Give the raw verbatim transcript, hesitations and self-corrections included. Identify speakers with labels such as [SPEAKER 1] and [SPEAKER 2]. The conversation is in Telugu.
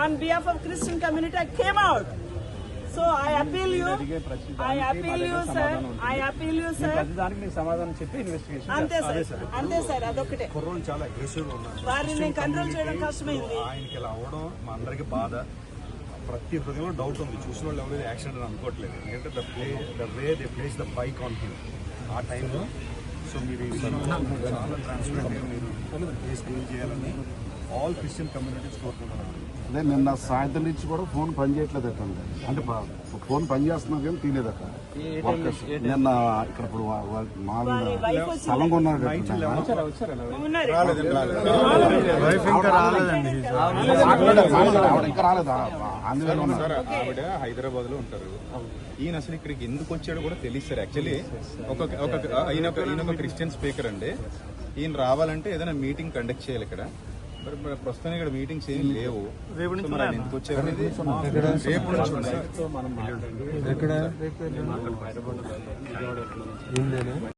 [SPEAKER 1] on behalf of Christian community, I came out. So I appeal you, I appeal you, sir. I appeal you, sir.
[SPEAKER 2] సమాధానం చెప్పి ఇన్వెస్టిగేషన్
[SPEAKER 1] అంతే సార్, అంతే సార్, అదొకటే.
[SPEAKER 3] కుర్రోళ్ళు చాలా అగ్రెసివ్ గా ఉన్నారు.
[SPEAKER 1] వారిని నేను కంట్రోల్ చేయడం కష్టమైంది.
[SPEAKER 3] ఆయనకి ఇలా అవడం మా అందరికి బాధ. ప్రతి హృదయంలో డౌట్ ఉంది. చూసిన వాళ్ళు ఎవరైతే యాక్సిడెంట్ అని అనుకోవట్లేదు. ఎందుకంటే the play the way they place the bike on him ఆ టైంలో. సో మీరు చాలా ట్రాన్స్పరెంట్గా మీరు కేసు డీల్ చేయాలని ఆల్ క్రిస్టియన్ కమ్యూనిటీస్ కోరుకుంటున్నారు.
[SPEAKER 4] అదే నిన్న సాయంత్రం నుంచి కూడా ఫోన్ పనిచేయట్లేదట, అంటే ఫోన్ పనిచేస్తున్నా కానీ తీయలేదట వర్కర్స్. నిన్న ఇక్కడ ఇప్పుడు మా స్థలం కొన్నారు ఇంకా రాలేదా?
[SPEAKER 5] ఆవిడ హైదరాబాద్ లో ఉంటారు. ఈయన అసలు ఇక్కడికి ఎందుకు వచ్చాడో కూడా తెలియదు సార్. యాక్చువల్లీ ఒక ఈయన ఈయన ఒక క్రిస్టియన్ స్పీకర్ అండి. ఈయన రావాలంటే ఏదైనా మీటింగ్ కండక్ట్ చేయాలి ఇక్కడ. ప్రస్తుతం ఇక్కడ మీటింగ్స్ ఏం లేవు. రేపు నుంచి ఎందుకు వచ్చారు? రేపు నుంచి